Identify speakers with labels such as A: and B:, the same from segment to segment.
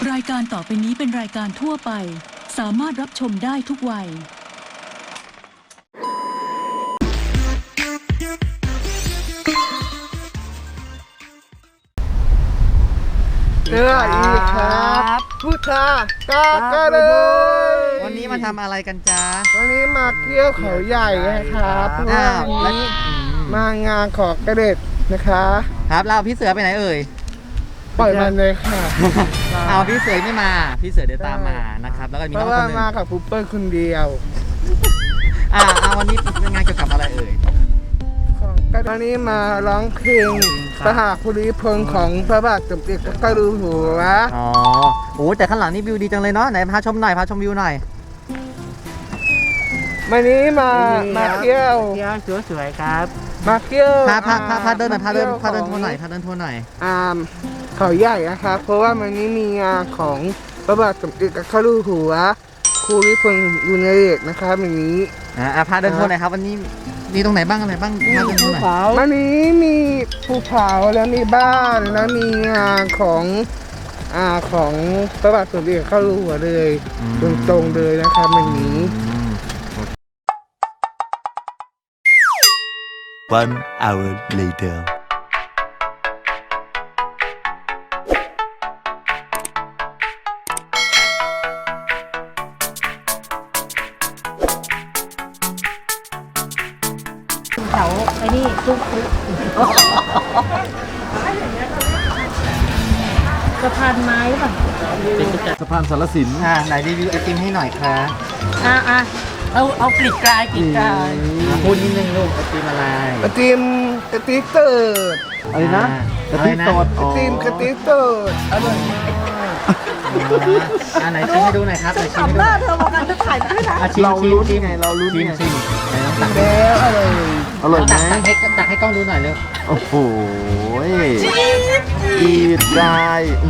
A: รายการต่อไปนี้เป็นรายการทั่วไปสามารถรับชมได้ทุกวัย
B: สวัสดีครับพุทธากาเลย
C: วันนี้มาทำอะไรกันจ๊ะ
B: วันนี้มาเที่ยวเขาใหญ่นะครับเพราะว่าวันนี้มางานของกระเด็ดนะคะ
C: ครับเราพี่เสือไปไหนเอ่ย
B: ปล่อยมันเลยค่ะ
C: เอาพี่เสือไม่มาพี่เสือเดี๋ยวตามมานะครับแล้วก็มี
B: เพ
C: น้อง
B: ราะ
C: ค
B: ว่าน
C: หนึง
B: มากับปุ๊บเปิ้ลคนเดียว
C: วันนี้เป็นงานเกี่ยวกับอะไรเอ่ย
B: ของกระเด็ดวันนี้มาร้องเพลงพระหาภูริพลของพระบาทสมเด็จพระเจ้าอยู่หัว
C: อ๋อโอ้แต่ข้างหลังนี่วิวดีจังเลยเนาะไหนพาชมหน่อยพาชมวิวหน่อย
B: วันนี้มาเที่ยว
D: สวยๆครับ
B: มาเที่ยว
C: พาเดินหน่อยพาเดินทัวร์หน่อยพาเดินทัวร์หน่อย
B: เขาใหญ่นะครับเพราะว่าวันนี้มีงานของพระบาทสมเด็จพระเจ้าอยู่หัวภูริพลบุญเดชนะครับวันนี้
C: พาเดินทัวร์หน่อยครับวันนี้มีตรงไหนบ้างอะไรบ้างพาเดินทัวร์หน่อย
B: วันนี้มีภูเขาแล้วมีบ้านแล้วมีงานของพระบาทสมเด็จพระเจ้าอยู่หัวเลยตรงๆเลยนะครับวันนี้
E: One hour later.
D: เขาไอ้นี่ซุกสะพานไม้หรือเปล่า
C: สะพานสารสินไหนรีวิวไอติมให้หน่อยครับ
D: เอากลีกกลาย
C: พูดนิดนึงลูกไอติมอะไร
B: กระติมเติร์ด
C: อะไรนะกะทิสด
B: กระติมเติร์ดอร่อยมาก
C: ไหนชิมให้ดูหน่อยครับชิมให้ดูหน่อย
D: เธอบอกกันจะถ่ายไม่ได้
C: เราลุ้นไงเราลุ้นไงชิมไหนลองตัก
B: แล้วอร่อย
C: อร่อยไหมตักให้กล้องดูหน่อยเร็ว
E: โอ้โหอีดได้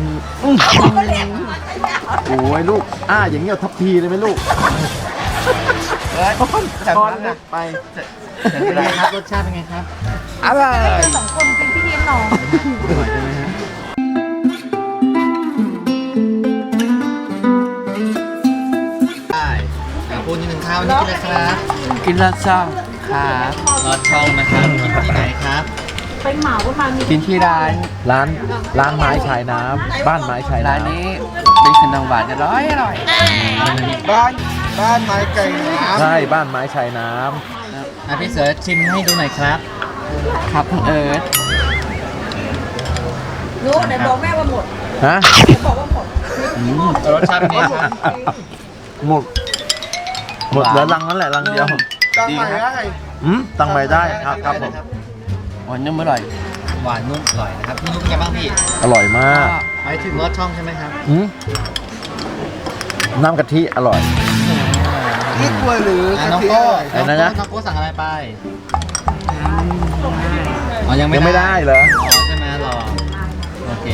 E: โอ้ยลูกอย่างนี้เอาทัพพีเลยไหมลูก
C: จัด
E: ช้อน
C: มา
E: เล็กไป
C: เป็นไงครับรสชาติเป็นไงครับ
B: อร่อย
D: สองคนเป็นพี่เลี้ยงน้อง
C: อร่อยใช่ไหมฮะได้พูดนิดนึงครับวันนี้กินอะไรครับ
D: กินลาซ่าครับ
C: รสช่องนะครับกินที่ไหนครับ
D: ไปเหมาประมาณนี้
F: กินที่ร้านไม้ชายน้ำบ้านไม้ชายน้ำ
D: ร้านนี้เป็นขนมหวานอร่อย
B: บ้านไม้ไก่น้ำ
F: ใช่บ้านไม้ชายน้
C: พี่เสือชิมให้ดูหน่อยครับ
D: ครับคุณเอิร์ธ
C: รู้ไหนบอกแม่ว่าหมด
F: ำฮะ
C: รสชาติเป็นไงครับ
F: หมดเหลือรังนั้นแหละรังเดียว
B: จำใหม่ได้
F: ตั้งใหม่ได้ครับผม
D: หวานนุ่มอร่อย
C: หวานนุ่มอร่อยนะครับพี่นุ่มเป็นไงบ้างพี่
F: อร่อยมาก
C: หมายถึงรสช่องใช่ไหมครับ
F: น้ำกะทิอร่อย
B: นี่กล้วยหรือ
C: น้อง
B: กะทิ
C: โก้
F: อะไรนะ
C: น้องโก้สั่งอะไรไปอ๋อยัง
F: ยังไม่ได้เหรอ
C: อ๋อใช่ไหมรอโอเค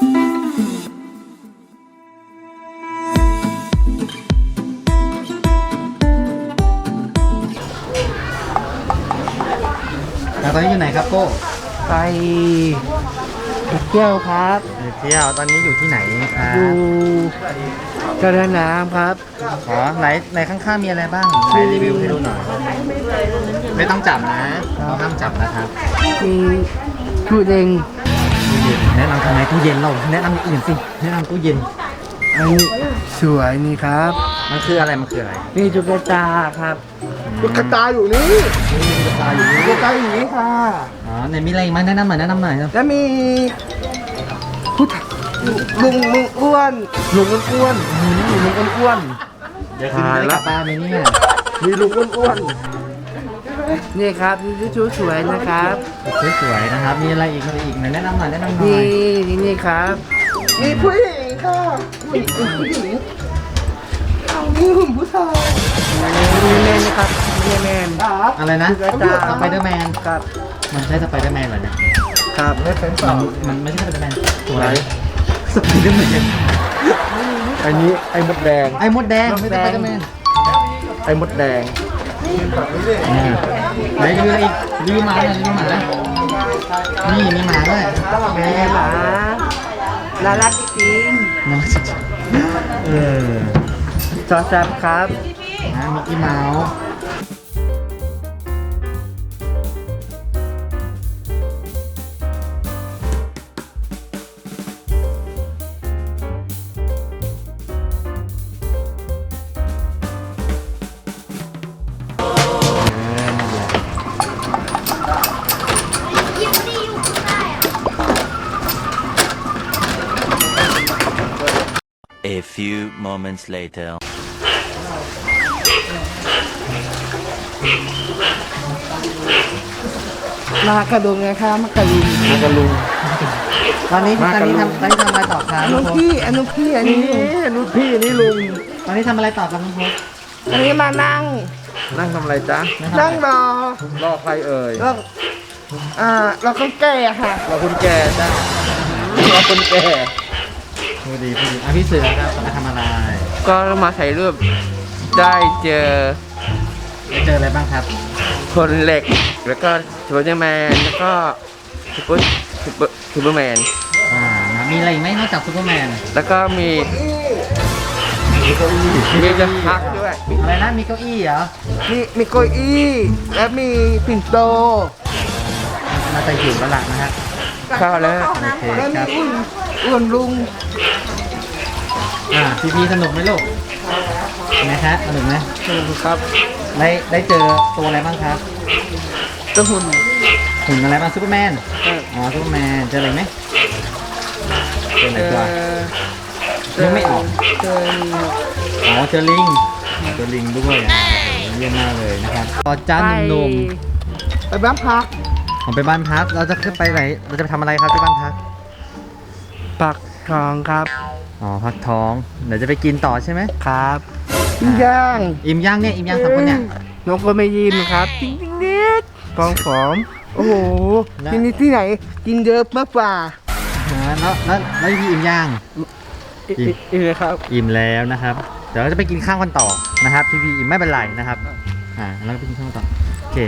C: แล้วตอนนี้อยู่ไหนครับโก้
B: ไปเที่ยวครับ
C: เที่ยวตอนนี้อยู่ที่ไหนครับ
B: ดูกระน้ำครับ
C: อ๋อไหนข้างๆมีอะไรบ้างไหนรีวิวให้ดูหน่อยไม่ต้องจับนะเราห้ามจับนะครับ
B: มีตู้เด้ง
C: ตู้เย็นแนะนำทำไมตู้เย็นเราแนะนำอย่างอื่นสิแนะนำตู้เย็น
B: อันนี้สวยนี่ครับ
C: มันคืออะไรมันคืออะไร
B: นี่ตุ๊กตาครับตุ๊กตาอยู่นี่ตุ๊กตาอยู่นี่ค่ะ
C: อ๋อไหนมีอะไรอีกไหมแนะนำหน่อยแนะนำหน่อยครับ
B: แล้วมีผู้ชายลุงอ้วนลุงอ้วน
C: เดี๋ยวคืนนี้ได้กลับบ้านไหมเนี่ย
B: มีลุงอ้วนนี่ครับนี่ชุดสวยนะครับ
C: สวยๆนะครับมีอะไรอีกไหนแนะนำหน่อยแนะนำหน่อย
B: นี่ครับมีผู้หญิงค่ะผู้หญิงนี่หุ่นผู้ชายมีแมนนะครับมีแมนครับ
C: อะไรนะ
B: ตุ๊กตา
C: สไปเดอร์แมน
B: ครับ
C: มันใช่สไปเดอร์แมนเหรอเนี่ย
B: ครับไม่เป็นสอง
C: มันไม่ใช่สไปเดอร์แมนตัวอะไรสไปเดอร์แมน
F: อันนี้ไอ้มดแดง
C: ไอ้มดแดงไม่ใช่สไปเดอร์แมน
F: ไอ้มดแดง
C: ไหนรีวิวอะไรอีกรีวิวหมาหน่อยรีวิวหมานี่มีหมาด้วย
B: แม่หมาน่ารักจริง
C: น่ารักจริงๆ
D: ซอสแซ่บครับ
C: มิกกี้เมาส์นั่นแหละ
E: A few moments later.
B: มากระดุงนะคะมากระดุง
C: มากระลุงตอนนี้ทำอะไรต่อครับ
B: อันนู้นพี่อันนู้นพี่อันนี้ลุง
C: รุ่นพี่นี่ลุงตอนนี้ทำอะไรต่อครับน้องพบ
B: อันนี้มานั่ง
E: นั่งทำอะไรจ๊ะ
B: นั่งรอ
E: รอใครเอ่ย
B: แล้วเราก็แก่ค่ะ
E: รอคนแก่จ้ะรอคนแก่
C: พูดดีพี่เสือครับมาทำอะไร
D: ก็มาถ่ายรูปได้เจอ
C: เจออะไรบ้างครับ
D: คนเหล็ก แล้วก็ซูเปอร์แมนแล้วก็ซูเปอร์แมน
C: นะมีอะไรอีกไหมนอกจากซูเปอร์แมน
D: แล้วก็มีจะพักด้วย
C: อะไรนะมีเก้าอี้เหรอ
B: มีเก้าอี้และมีปิ่นโต
C: มาแต่หิวแล้วล่ะนะฮะ
D: เข้าแล้ว
C: โอเค
B: และ
C: ค
B: มี
C: รับ
B: อ้วนลุง
C: พี่สนุกไหมลูกนะฮะสนุกไหม
D: ครับ
C: ได้เจอตัวอะไรบ้างครับ
D: ตัวหุ่น
C: หุ่นอะไรบ้างซูเปอร์แมนอ๋อซูเปอร์แมนเจออะไรไหมเจอไหนตัวยังไม่ออก
B: เจอ
C: อ๋อเจอลิงด้วยเยี่ยมมากเลยนะครับพอจ้าหนุ่ม
B: ไปบ้านพัก
C: ๆผมไปบ้านพักเราจะขึ้นไปไหนเราจะไปทำอะไรครับที่บ้านพัก
D: ปักทองครับ
C: อ๋อพักท้องเดี๋ยวจะไปกินต่อใช่ไหม
D: ครับ
B: ย่าง
C: อิ่มย่างสามคนเนี่ย
D: น้องก็ไม่ยิ้มครับจริงๆนิดฟองผอม
B: โอ้โหที่นี่ที่ไหนกินเยอะมากกว่า
C: แล้วพี่อิ่มย่าง
D: อีกเลยครับ
C: อิ่มแล้วนะครับ เดี๋ยวเราจะไปกินข้าวกันต่อนะครับพี่อิ่มไม่เป็นไรนะครับแล้วก็ไปกินข้าวกันต่อโอเค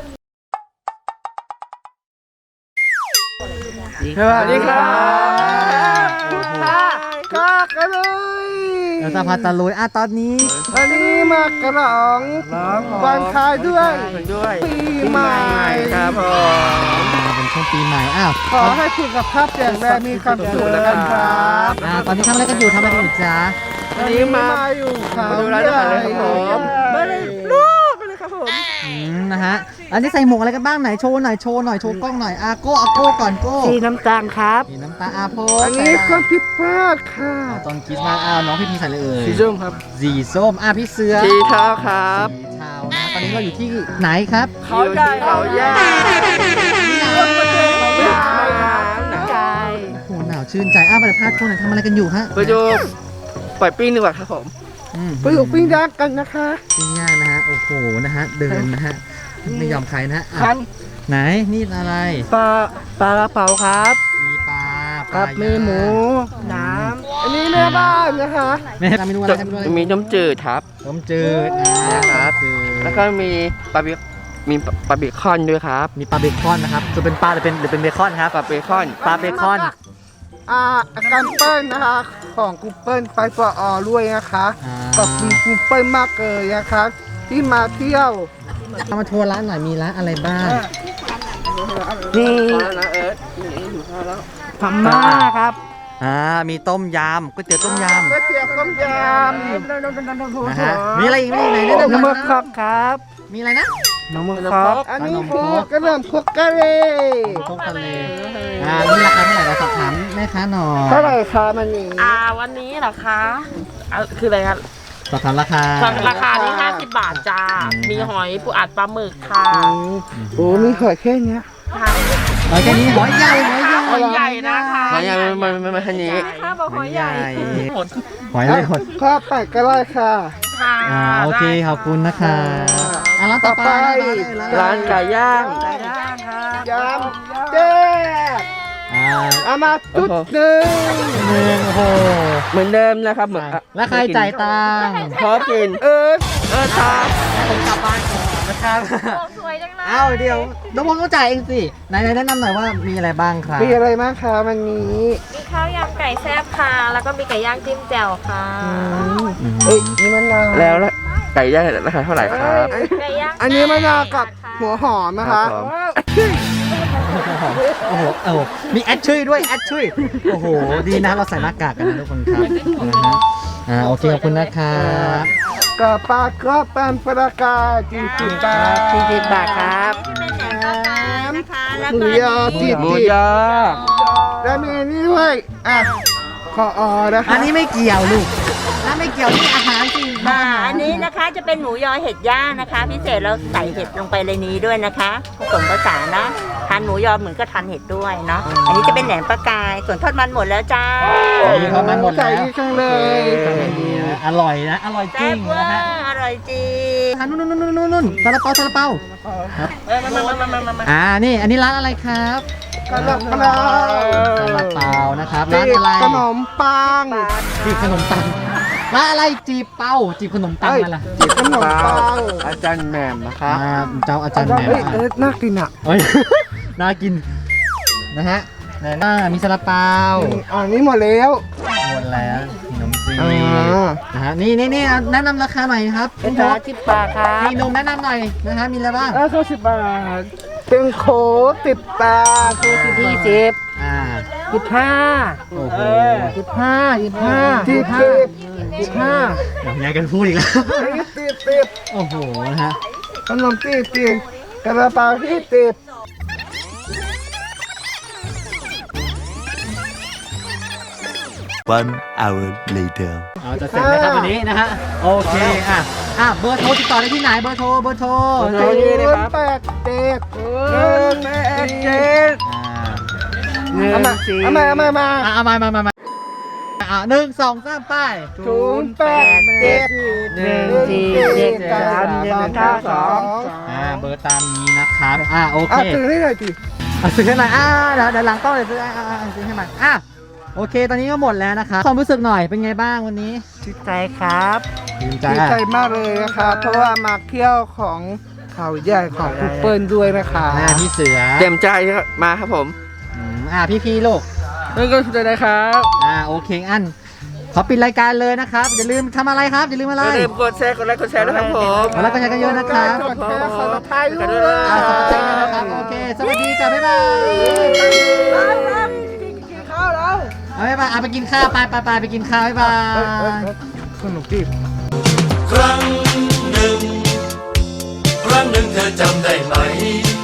D: สวัสดีครับ
B: ก็กันเลย
C: เราจะพาตะลุยตอนนี้
B: วันนี้มากระหลองวันคายด้วยปีใหม่
D: ครับผม
C: เป็นช่วงปีใหม่
B: ขอให้สุขภาพแข็งแรงมีความสุขนะครับ
C: ตอนนี้ทำอะไรกันอยู่จ๊ะ
B: วันนี้มาอยู่เขา
D: มาดูร้านอาหารเลยครับผม
B: มาเลยลูกเลยครับผม
C: นะฮะอันนี้ใส่หมวกอะไรกันบ้างไหนโชว์หน่อยโชว์กล้องหน่อยโก้ก่อนโก้
B: สีน้ำตาลครับ
C: สีน้ำตาโพ
B: อันนี้เครื่องพิพาทค่ะ
C: ตอนคริสต์มาสน้องพี่ใส่เลยเอ่ย
D: สีส้มครับ
C: สีส้มพี่เสือ
D: สีเท้าครับ
C: สีเทานะตอนนี้เราอยู่ที่ไหนครับ
D: เขาใหญ่เขาใหญ่
C: โอ้โหหนาวชื่นใจไปเดี๋ยวพาทัวร์หน่อยทำอะไรกันอยู่ฮะ
D: ไปดูปล่อยปิ้งดีกว่าครับผม
B: ไปอยู่ปิ้งย่างกันนะคะ
C: ปิ้งย่างนะฮะโอ้โหนะฮะเดินนะฮะไม่ยอมใครนะฮะ
B: คัน
C: ไหนนี่อะไร
D: ปลากระเป๋าครับ
C: มีปลา
B: ครับมีหมูน้ำอันนี้แม่บ้านนะคะ
C: แม่ทำเมนูอะไรทำเมนูอะไร
D: มีน้ำจืดครับ
C: ต้มจืด
D: ครับ
C: จืด
D: แล้วก็มีปลาเบคอนด้วยครับ
C: มีปลาเบคอนนะครับจะเป็นปลาหรือเป็นเบคอนครับ
D: ปลาเบคอน
C: ปลาเบคอน
B: อาการเปิ้ลนะคะของกูเปิ้ลไปปอด้วยนะคะขอบคุณกูเปิ้ลมากเลยนะคะที่มาเที่ยว
C: เอามาทัวร์ร้านหน่อยมีร้านอะไรบ้าง
B: นี่
D: นะเอิร์ธ
B: พม่าครับ
C: มีต้มยำก๋วยเตี๋ยวต้มย
B: ก๋วยเตี๋ยวต้มย
C: ำนะฮะมีอะไรอีกไหไหนแนะนำห
B: ำน้ำ
C: น่
B: มั
C: อย
B: กคอกครับ
C: มีอะไรนะ
B: น้ำมันคอกอันนี้คือกระเริ่มพวกกะเล
C: ต้มทะเลนี่ราคาเท่าไหร่เราสอบถามแม่ค้าหน่อย
B: เท่าไหร่คะมันนี่
G: วันนี้เหรอคะคืออะไรคะ
C: สอบถามราคา
G: ราคานี้50 บาทจ้า มีหอยปูอัดปลาหมึกค่ะ
B: โอ้มีหอยแค่เนี้ย
C: หอยแค่นี้หอยใหญ่
G: หอยใหญ่นะคะ
D: มาอย่างมันทันนี้
G: ค่ะบอกหอยใหญ่หมด
C: หอยเลยหด
B: ข้าวไปก็ได้ค่ะ
G: ค่ะ
C: โอเคขอบคุณนะคะร้านต่อไป
D: ร้านไก่ย่าง
B: ยำเจ๊เอามาจุดหนึ่ง
C: โอ้โห
D: เหมือนเดิมนะครับเหมือน
C: แล้วใครจ่ายตังค์
D: พอกิน
B: เออ
D: ครับ
C: ผมกลับบ้านก่อนนะครับ
G: สวยจังเล
C: เอาเดี๋ยวน้องพงต้องจ่ายเองสิไหนแนะนำหน่อยว่ามีอะไรบ้างครับ
B: มีอะไรบ้างคะวันนี้
G: มีข้าวยำไก่แซ่บค่ะ แล้วก็มีไก่ย่างจิ้มแจ่วค่ะ
B: เอ้ยนี่มะนาว
D: แล้วไก่ย่างราคาเท่าไหร่ครับ
G: ไก่ย่าง
B: อันนี้มะนาวกับหัวหอมนะคะ
D: ครับผม
C: โอ้โหมีแอดช่วยด้วยแอดช่วยโอ้โหดีนะเราใส่หน้ากากกันนะทุกคนครับนะฮะโอเคขอบคุณนะครับ
B: กับปลากรอบปันปลากา40 บาท
G: 40 บาทครับ
B: หมูยอติด
D: หมูยอ
B: แล้วมีนี่ด้วยอ่ะขอนะคะ
C: อันนี้ไม่เกี่ยวลูกถ้าไม่เกี่ยวนี่อาหารจริง
H: อันนี้นะคะจะเป็นหมูยอเห็ดย่างนะคะ พิเศษเราใส่เห็ดลงไปในนี้ด้วยนะคะผสมผสานนะทานหมูยอเหมือนก็ทานเห็ดด้วยเนาะอันนี้จะเป็นแหนมปลากายส่วนทอดมันหมดแล้วจ้า
C: นี่เขามันหมด
B: ใส่
C: แล้ว
B: ดีจังเลย
C: อร่อยนะอร่อยจริ
H: แซ่
C: ง
H: บเวอ
C: นะฮะ
H: ร์อร่อยจริง
C: นู่นซาลาเปาครับนี่อันนี้ร้านอะไรครับ
B: กระดับกระดา
C: ซาลาเปานะครับร้านอะไร
B: ขนมปัง
C: จีบขนมปังร้านอะไรจีบเป้าจีบขนมปังมาล่ะ
B: ขนมปัง
D: อาจารย์แหม่มนะคะ
C: เจ้าอาจารย์แหม่ม
B: เอ้ยน่ากินอ่ะ
C: เอ้ย น่ากินนะฮะไหนมีซาลาเปา
B: อันนี้หมดแล้ว
C: หมดแล้วขนมจีน
B: อ่า
C: นะฮะนี่แนะนำราคาหน่อยครับ
H: เป็นร้าน10 บาทครับ
C: มีนมแนะนำหน่อยนะฮะมีอะไรบ้าง
B: แล้ว10 บาท เป็นโค้ก10 บาทโค้ก20
C: อ่า
B: 15
C: โอ้โห
B: 15
C: อยากกันพูดอีกแล้ว
B: 10
C: โอ้โหนะฮะ
B: ขนม10กระเป๋าที่10
E: 1 hour later
C: เอาจะเสร็จไหมครับวันนี้นะฮะโอเคเบอร์โทรติดต่อได้ที่ไหนเบอร์โทร
B: เอามา
C: 1 2 3ป้าย เบอร์ตามนี้นะครับโอเค
B: ตื่นให้หน่อยสิ
C: ซื้อให้หน่อยเดี๋ยวหลังต้องเลยซื้อให้ใหม่โอเคตอนนี้ก็หมดแล้วนะครับความรู้สึกหน่อยเป็นไงบ้างวันนี้
B: ดีใจครับ
C: ดีใจ
B: ดีใจมากเลยนะครับ เพราะว่ามาเที่ยวของเขาใหญ่ของคุปเปิลด้วยนะคะ
C: พี่เสือ
D: เต็มใจมาครับผม
C: พี่ลูก
B: นั่นก็คือนะครับ
C: โอเคขอปิดรายการเลยนะครับอย่าลืมทำอะไรครับอย่าลืมอะไร
D: อย่าลืมกดแชร์กดไลค์กดแชร์ด้วยครับผม
C: แล้วก็แชร์กันเยอะนะครับ
B: กดแชร์ขอรับไทยด้วย
C: สวัสดีนะครับโอเคสวัสดีจ้ะบ๊ายบาย
B: กินข้าวแล้ว
C: บ๊ายบายไปกินข้าวไปไปกินข้าวบ๊ายบาย
B: สนุกดิ
I: ครั้งหนึ่งเธอจำได้ไหม